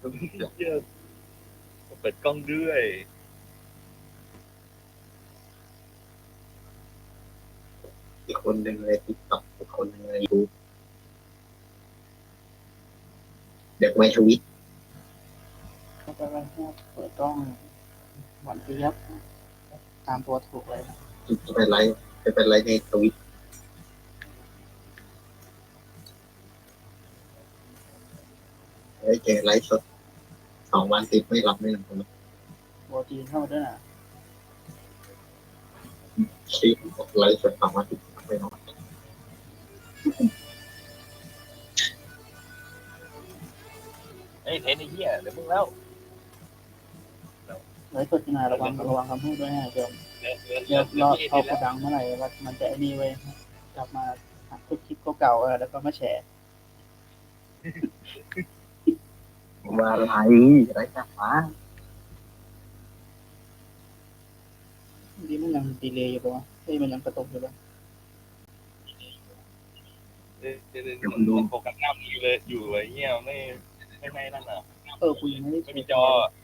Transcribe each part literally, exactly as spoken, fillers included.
เหี้ยเปิดกล้องด้วยอีกคนหนึ่งเลยติ๊กต็อกอีกคนหนึ่งเลยยูเด็กไม่ทวิตก็จะไปเปิดกล้องหวานเจี๊ยบตามตัวถูกเลยจะเป็นไรจะเป็นไรในทวิตเฮ้ยเจอไลฟ์สดสองวันติดไม่หลับไม่นอนโบจีนเข้ามาด้วยนะคลิปไลฟ์สดสองวันติดไม่นอนไอ้เทนไอ้เหี้ยเดี๋ยวมึงแล้วเลยตัวจีนาระวังระวังคำพูดด้วยนะเดี๋ยวเดี๋ยวเดี๋ยวเดี๋ยวรอเดี๋ยวเขาโกดังเมื่อไหร่ว่ามันจะไอ้นี่เว้ยกลับมาหักทุกคลิปเก่าๆเออแล้วก็มาแชร์ว่าอะไรไรจังวะนี่มันยังดีเลย์อยู่ปะวะเฮ้ยมันยังกระตุกอยู่ปะเดี๋ยวเดี๋ยวเดี๋ยวมันโฟกัสหน้ามึงอยู่เลยอยู่ไอ้เหี้ยไม่ไม่ไม่นั่นอ่ะเออกูยังไม่ได้ไม่มีจอ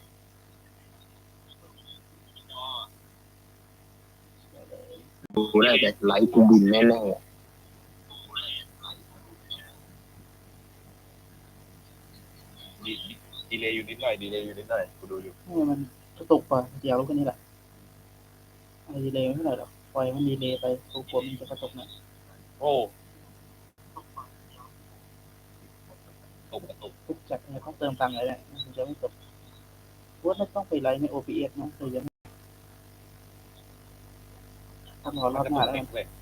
ดูแล้วแต่ไลฟ์กูบินแน่ๆดีดีเลยอยู่นิดหน่อยดีเลยอยู่นิดหน่อยกูดูอยู่เออมันกระตุกป่ะเดี๋ยวรู้กันนี่แหละอะไรดีเลย์ไม่เท่าไหร่หรอกปล่อยมันดีเลย์ไปกูกลัวมันจะกระตุกเนี่ยโอ้ตกกระตุกทุกจัดเนี่ยต้องเติมตังค์เลยเนี่ยมันจะไม่ตกว่าไม่ต้องไปไลฟ์ใน โอ บี เอส นะแต่ยังถ้ารอรอบหน้าแล้วกันเลย